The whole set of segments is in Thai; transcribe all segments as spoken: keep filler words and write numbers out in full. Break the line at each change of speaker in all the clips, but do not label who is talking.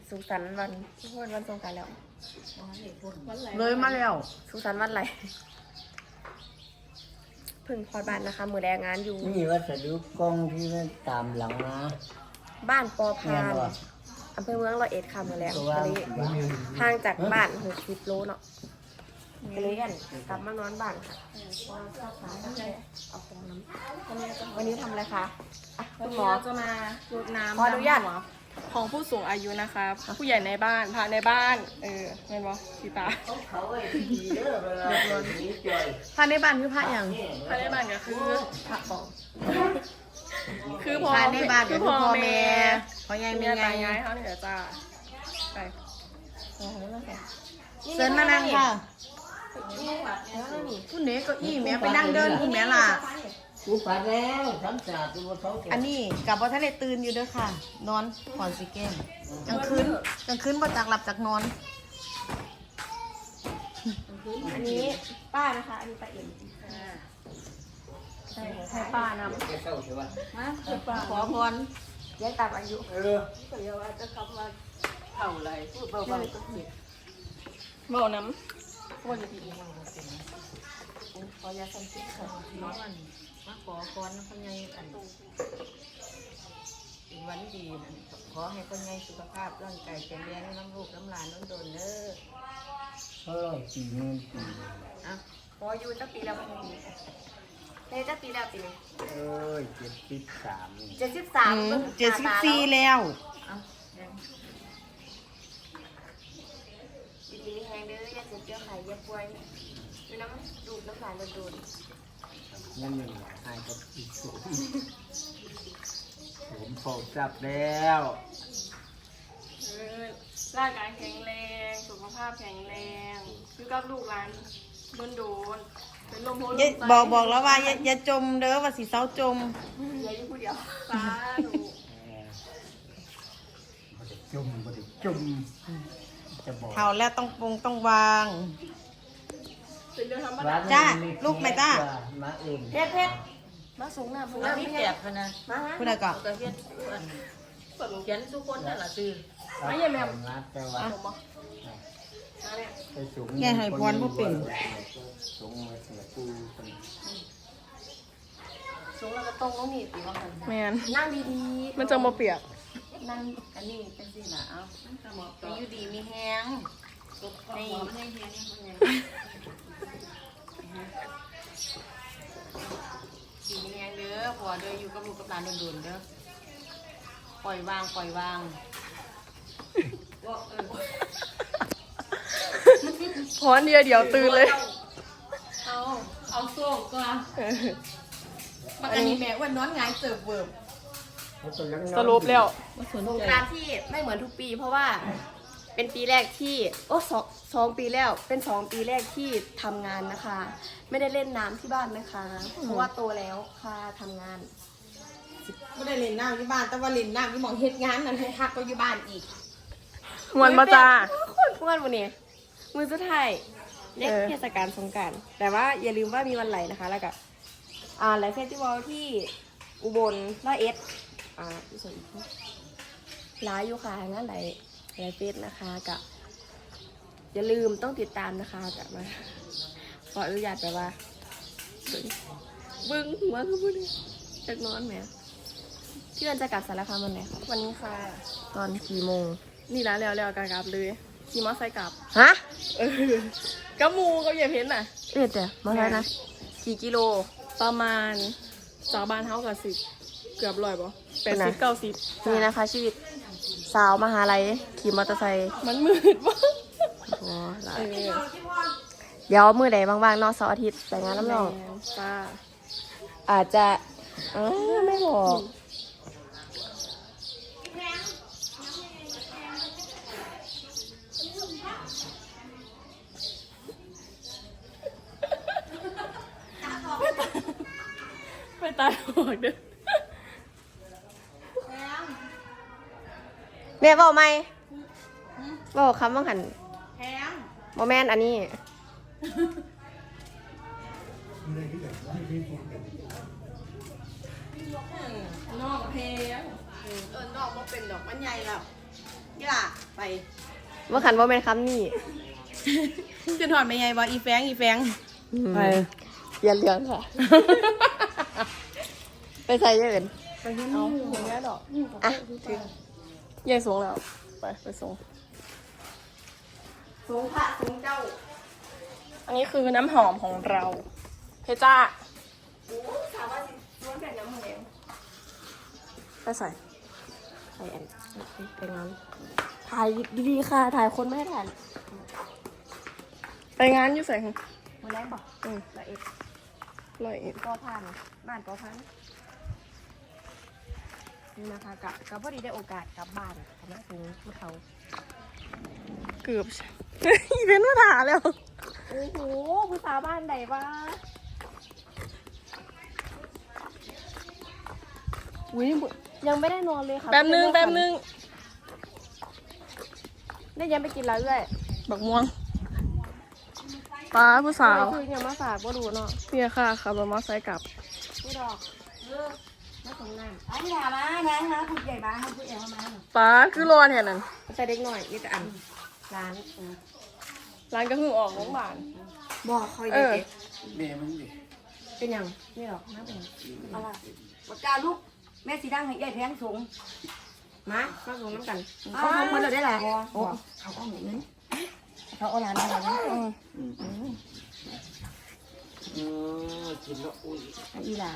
สุขสันต์วันวันวันสงกรานต์แล้ว
เลยมาแล้ว
สุขสันต์วันอะไรเพิ่งพอดบ้านนะคะมือแดงงานอยู่
นี่วัสดุกล้องที่มันตามหลังนะ
บ้านปอพานอำเภอเมืองร้อยเอ็ดค่ะมือแดงก็เลยห่างจากบ้านหกสิบโลเนาะก็เลยกันกลับมานอนบ้านค่ะเอาของน้ำวันนี้ทำอะไรคะ
คุณหมอจะมารดน้ำ
ขออนุญาต
ของผู้สูงอายุนะคะผู้ใหญ่ในบ้านพาในบ้านเออเห็นบ่สีตา
พระในบ้านคือพระอย่าง
พาในบ้านก็คือ
ผักบอก
คือพ่อ
ในบ้านคือพ่อแม่พ่อใหญ่แม่ใหญ่
ย้ายเขาเนี่ยจ้าไป
เชิญมานั่งค่ะคุณเนก็อี้แม่ไปนั่งเดินคุณแม่ล่ะ
กูปัดแล้วทำจ่าตัวเขา
อันนี้กับว่าท่านได้ตื่นอยู่ด้วยค่ะนอนก่อนสิเกมกลางคืนกลางคืนบ่จากหลับจากนอน
อันนี้ป้านะคะอันนี้ป้าเอ็ม
ใช่ให้ป้านำ
มาขอพร
ย้ายตามอายุ
เออ
เดี๋ยวจะกลับมาเท่าไรพูดเบาๆก็ผิดเบาน้ำว่าจะผิด
ขอยาสัมผัสค่ะน้องมันมาขอพรคนใหญ่อันวันดีขอให้คนใหญ่สุขภาพร่างกายแข็งแรงน้ำลูกน้ำหลานน้ำโดนเด้อ
เออปีนึงปี
อ่ะพออยู่ตั้งปีแล้วมันปีเฮ้ยตั้งปีแล้วปี
เออเจ็ดสิบสาม
เจ็ดสิบสาม
เจ็ดสิบสี่แล้ว
ดีดีแห้งเด้ออย่าเจ็บเจ้าไข่อย่าป่วยมีน้ำดูดน้ำลายโดน
นั่นมันหายกับอีกสูงผมโผล่จับแล้ว
ร่างกายแข็งแรงสุขภาพแข็งแรงคือกับลูกหลานโดนโดนเป็นลมโพลม
บอกบอกแล้วว่าอย่าอย่าจมเด้อว่าสิเศร้าจม
อย่าอยู่ผู้เดียว
สาธุ
บ่ได้จุ่มบ่ได้จุ่มจะบอก
เท่าแล้วต้องปรุงต้องวาง
เป็นเรื่องธรรมดา
จ้าลูกไหมจ้า
มาเอง
เพชรเพชรมาสูงหน้าสูงหน้า
พี่แกบนะ
มาฮะ
คุณอะไรก่อน
แต่เฮ็ดเขียนทุกคนนั่นแหละซื้อ
ไม่ใช่แม่แต่ว่าไปสูง
แง่ให้พรบ่เป็น
สูงมาเสียปู
สูงแล้วก็ตรงต้องมีตีว่ามัน
แม่น
นั่งดีๆ
มันจะมาเปียก
นั่งอันนี้เป็นสินะเอาไปอยู่ดีมีแห้งนี่ให้แห้งดีมีแห้งเด้อผัวเด้ออยู่กับลูกกับหลานโดนๆเด้อปล่อยวางปล่อยวาง
พอนเดียวเดี๋ยวตื่นเลย
เอาเอาโซ่ก่อน
ปกติแม่วันนอนงายเสิร์ฟเวิร์บ
สรุปแล้ว
สงกรานต์ที่ไม่เหมือนทุกปีเพราะว่าเป็นปีแรกที่โอ้สองสองปีแล้วเป็นสองปีแรกที่ทำงานนะคะไม่ได้เล่นน้ำที่บ้านนะคะเพราะว่าโตแล้วค่ะทำงาน
ไม่ได้เล่นน้ำที่บ้านแต่ว่าเล่นน้ำที่มองเฮ็ดงานนั่นให้ฮักก็อยู่บ้านอีก
มวนมาจ้า
คนมวนวันนี้มือสุดท้ายเล็กเทศกาลสงกรานต์แต่ว่าอย่าลืมว่ามีวันไหลนะคะแล้วก็อ่าไลฟ์เฟสติวัลที่อุบลร้อยเอ็ดอ่าที่ส่วนอีกร้ายอยู่ค่ะงานไหลไลฟ์เฟสนะคะกับอย่าลืมต้องติดตามนะคะกับมาขออนุญาตแบบว่าบึ้งหัวคือพูดจากนอนแหมที่วันจะกลับสารคามวันไหนคะ
วันนี้ค่ะ
ตอนกี่โมง
นี่ร้านแล้วแล้วกลับเลยขี่มอไซค์กลับ
ฮะ
เออกับมูกับยายเพ้นน่ะ
เอ็ดจ้ะมาแล้วนะกี่กิโล
ประมาณจากบ้านเฮากับสิบเกือบร้อยป่ะแปดสิบเก้าสิบ
นี่นะคะชีวิตสาวมหาลัยขี่มอเตอร์ไซค์
มันมืดป่ะ
โอ้เดี๋ยวมือใดบางๆนอกเสาร์อาทิตย์ไปงานน้ำนอง
ป้า
อาจจะเออไม่บอก
ไปตายหอกเด้อ
แม่บอกไหมบอกคำว่าหันโมแมนอันนี้
นอกเพลงเออนอกมันเป็นดอกมันใหญ่แล้วนี่ล่ะไปไป
เมื่อขันว่าเป็นคำนี่
จะถอดไปไงบ่อีแฟงอีแฟง
ไปอย่าเลี้ยงค่ะ ไปใส่เยอะเกิน
ไปเห็น
เอา
นี่
อย่างนี้ดอก
อ่ะถึง
ยายสูงแล้ว ไปไปสูง
สูงพระสูงเจ้า
อันนี้คือน้ำหอมของเราเพชรจ้า
โอ้ถามว่าสิล้วนแบบน้ำมันเอง
ไปใส่
ใส่อันไปงานถ่ายดีๆค่ะ ถ่ายคนไม่ให้ถ่าย
ไปงานอยู่ใส่ค่ะ
มือแรกบอก
อืม
ละเอ็ด
ลอยอีก
ก็ผ่านบ้านก็ผ่านนี่นะคะกับกับพอดีได้โอกาสกลับบ้านคณะถึงผู้เฒ่า
เกือบ อีเวนต์มาถาแล้ว
โอ้โหผู้สาวบ้านใดวะอุ้ยยังไม่ได้นอนเลยค่ะ
แป๊บนึงแป๊บนึง
ได้ยังไปกินแล้วด้วย
บักม่วงป้าผู้สาว
คือยังมาฝากบ่ดูเนาะ
เนี่ยค่ะขับรถมอเตอร์ไซค์กลับ
นี่ดอกเออมาส่งน้ำอันนี้ถามมานะนะผู้ใหญ่บ้านเขาผู้ใหญ่เขามา
ป้าคือรอแทนนั้น
ใส่เด็กหน่อยนี่แต่อันร้าน
ร้านก็คือออกโรงพยาบาล
บอกเขา
เอ
เย
อ
อะ
แม่มึงดิ
เป็นยังนี่ดอกน้ำเป็นยังอะไร
ปากกาลูกแม่สีดังให้ยายแพงสูง
มามาส่งน้ำกัน
เขาทำมันเลยได้ล่ะ
โอ้
เขาเอาเงิน
เขาเอาร้านอะไรนะ
เออกินแล้วอุ้ย
อีหล่า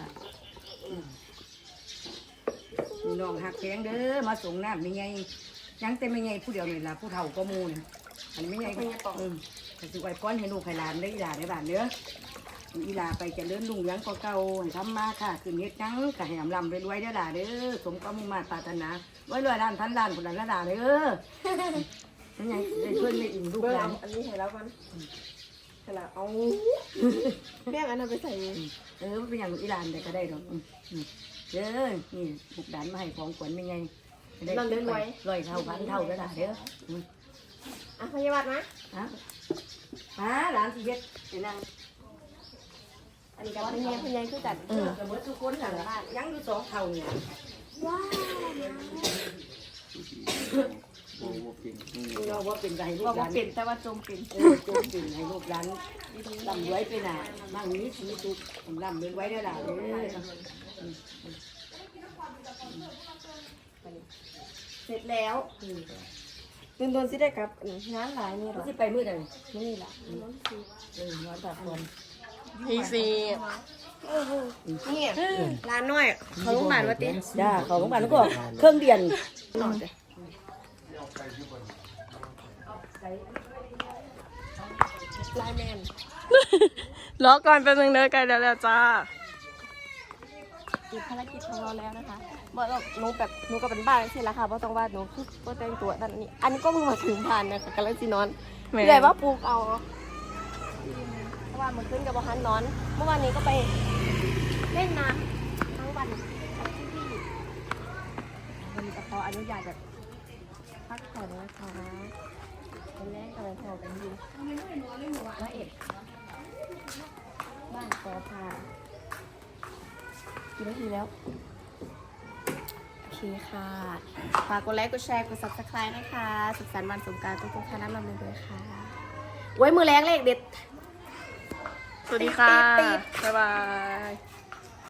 มีน้องหักแพงเด้อมาส่งน้ำไม่ไงยังแต่ไม่ไงผู้เดียวนี่ล่ะผู้เฒ่าก็มูนอันนี้ไม่ไงก็อืมแต่สิไว้ก้อนให้ลูกให้หลานได้อีหลาในบ้านเด้ออีหลาไปเจะเลื่อนลุงยังก็เก่าให้ทำมาค่ะคืนเฮ็ดยังก็ให้อำลำรวยๆได้อล่ะเด้อสมความมุ่งมั่นปรารถนาไว้รวยล้านพันล้านคนละล้านเด้อยังไงได้เพื่อนได้อิ่มลูก
เบอร์
หลาน
อันนี้เห็นแล้วมันเห็นแล้วเอาแม่งอันนั้นไปใส่
เออมันเป็นอย่างอีหลานแต่ก็ได้ดอกอืมอืมเด้อนี่บุกดานมาให้ของขวัญเป็นไงได้ร้อยเท่าพันเท่าก็ได้เด้ออืม
อ่ะพยาบาลนะ
ฮะฮะหลานสิเฮ็ดเดี๋ยวนั่ง
อันนี้กับพยาพยาคือกัน
เออกับเบิดทุกคนสั่งละยังอยู่สองเท่าเนี่ย
ว้าว
โอ้โหเป็นอืม
เราว่าเป็นไรลู
บอก
กห
ว่า
ลาน
เปลี่ยนแต่ว่าจมเปลี่ยน
เออโจมเป็นให้ลูกหลานลำรวยไปหน่ะมั่งนี้สีตุกลำรวยไว้ได้อล่ะเด้อ
เสร็จแล้วตื่นโดนสิได้กับงานหลายนี่หร
มั
อน
สิไปมื้อใด
นี่แหละ
เออนอนพักผ่อน
พีซี
นี่ร้านน้อยเขาโรงพยาบาลวัดเต้
จ้าเขาโรงพยาบาลแล้วก็เครื่องเดียน
นอนเลยไลน์แมน
รอก่อนแป๊บนึงเด้อใกล้แล้วแล้วจ้า
อีกภารกิจของเราแล้วนะคะบอกเราหนูแบบหนูก็เป็นบ้าใช่แล้วค่ะเพราะต้องว่าหนูคือว่าแต่งตัวนั่นนี่อันนี้ก็เพิ่งมาถึงผ่านนะคะกำลังสินอน
แม่
ใหญ่ว่าปลูกเอาเพราะว่ามันขึ้นกับว่าฮันนอน เมื่อวานนี้ก็ไปเล่นน้ำทั้งวันกับพี่ๆวันนี้ก็ขออนุญาตแบบพักผ่อนนะคะเป็นแรกกำลังพอกันอยู่ว่าเอ็ดบ้านกอพากี่นาทีแล้ว โอเคค่ะ ฝากกดไลค์ กดแชร์ กด ซับสไครบ์ นะคะ สุขสันต์วันสงกรานต์ทุกๆท่านรับเลยด้วยค่ะ ไว้มือแรงเลขเด็ด
สวัสดีค่ะ
ติ๊ดติ๊ด
บ๊ายบาย